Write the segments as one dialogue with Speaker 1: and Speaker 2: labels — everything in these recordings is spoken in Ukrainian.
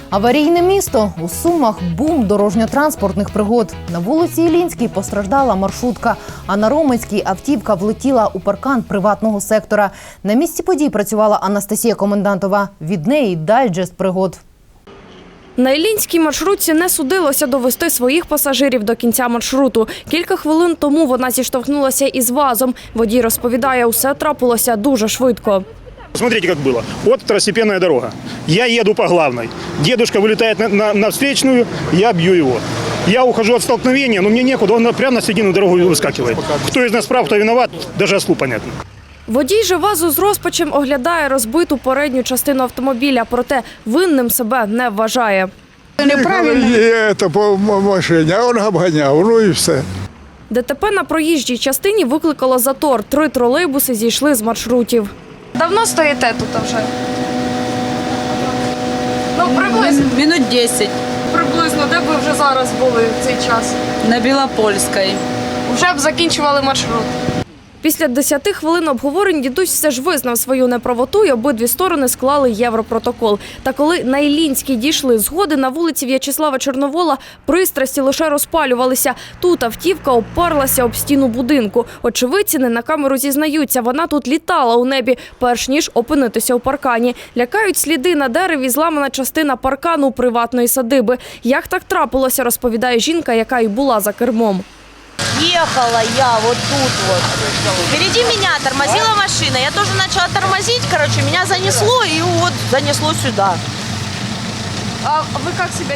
Speaker 1: Аварійне місто. У Сумах бум дорожньо-транспортних пригод. На вулиці Іллінській постраждала маршрутка, а на Роменській автівка влетіла у паркан приватного сектора. На місці подій працювала Анастасія Комендантова. Від неї дайджест пригод.
Speaker 2: На Іллінській маршрутці не судилося довести своїх пасажирів до кінця маршруту. Кілька хвилин тому вона зіштовхнулася із ВАЗом. Водій розповідає, усе трапилося дуже швидко.
Speaker 3: Смотрите, как было. Вот второстепенная дорога. Я еду по главной. Дедушка вылетает на встречную, я бью его. Я ухожу от столкновения, но мне некуда, он прямо на середину дороги выскакивает. Кто из нас прав, кто виноват, даже ослу понятно.
Speaker 2: Водій же ВАЗу з розпачем оглядає розбиту передню частину автомобіля, проте винним себе не вважає.
Speaker 4: Неправильно. Це по машині, а він обганяв, ну і все.
Speaker 2: ДТП на проїжджій частині викликало затор. 3 тролейбуси зійшли з маршрутів. Давно стоїте тут вже? Приблизно.
Speaker 5: Минут 10
Speaker 2: Приблизно. Де б ви вже зараз були в цей час?
Speaker 5: на Білопольській.
Speaker 2: Вже б закінчували маршрут. Після 10 хвилин обговорень дідусь все ж визнав свою неправоту і обидві сторони склали європротокол. Та коли на Іллінській дійшли згоди, на вулиці В'ячеслава Чорновола пристрасті лише розпалювалися. Тут автівка оперлася об стіну будинку. Очевидці не на камеру зізнаються, вона тут літала у небі, перш ніж опинитися у паркані. Лякають сліди на дереві, зламана частина паркану приватної садиби. Як так трапилося, розповідає жінка, яка й була за кермом.
Speaker 6: Ехала я вот тут вот. Впереди меня тормозила машина. Я тоже начала тормозить, меня занесло и вот занесло сюда.
Speaker 2: А ви як себе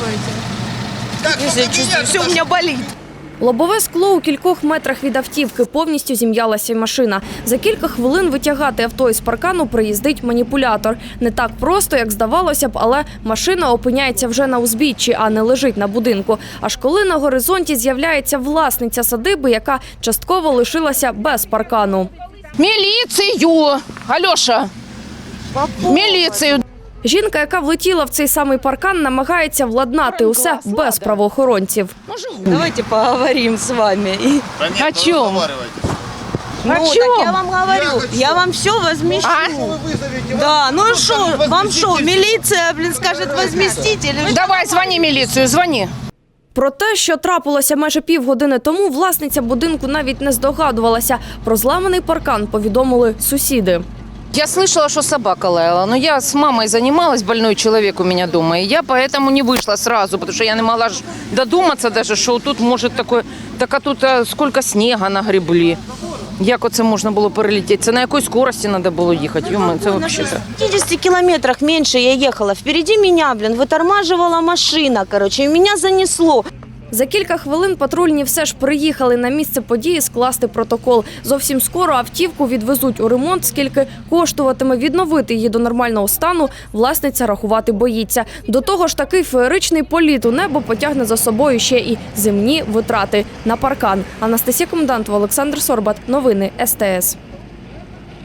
Speaker 2: чувствуєте?
Speaker 6: Все у меня болит.
Speaker 2: Лобове скло у кількох метрах від автівки, повністю зім'ялася машина. За кілька хвилин витягати авто із паркану приїздить маніпулятор. Не так просто, як здавалося б, але машина опиняється вже на узбіччі, а не лежить на будинку. Аж коли на горизонті з'являється власниця садиби, яка частково лишилася без паркану.
Speaker 7: Міліцію! Альоша! Міліцію!
Speaker 2: Жінка, яка влетіла в цей самий паркан, намагається владнати усе без правоохоронців.
Speaker 6: Давайте поговорим с вами.
Speaker 7: О чому?
Speaker 6: Ну, так я вам говорю, я вам все возмещу. Да, ну что, вам что, милиция, скажет возместить или что?
Speaker 7: Давай, дзвони міліцію, дзвони.
Speaker 2: Про те, що трапилося майже півгодини тому, власниця будинку навіть не здогадувалася. Про зламаний паркан повідомили сусіди.
Speaker 7: Я слышала, что собака лаяла, но я с мамой занималась, больной человек у меня дома, и я поэтому не вышла сразу, потому что я не могла додуматься даже, что тут может такое, так а тут сколько снега нагребли. Як оце можна було перелетіти? Це на якій скорості треба було їхати? Йома, це взагалі.
Speaker 6: В 50 километрах меньше я ехала. Впереди меня, вытормаживала машина, и меня занесло.
Speaker 2: За кілька хвилин патрульні все ж приїхали на місце події скласти протокол. Зовсім скоро автівку відвезуть у ремонт, скільки коштуватиме відновити її до нормального стану, власниця рахувати боїться. До того ж, такий феєричний політ у небо потягне за собою ще і земні витрати на паркан. Анастасія Комендантова, Олександр Сорбат. Новини СТС.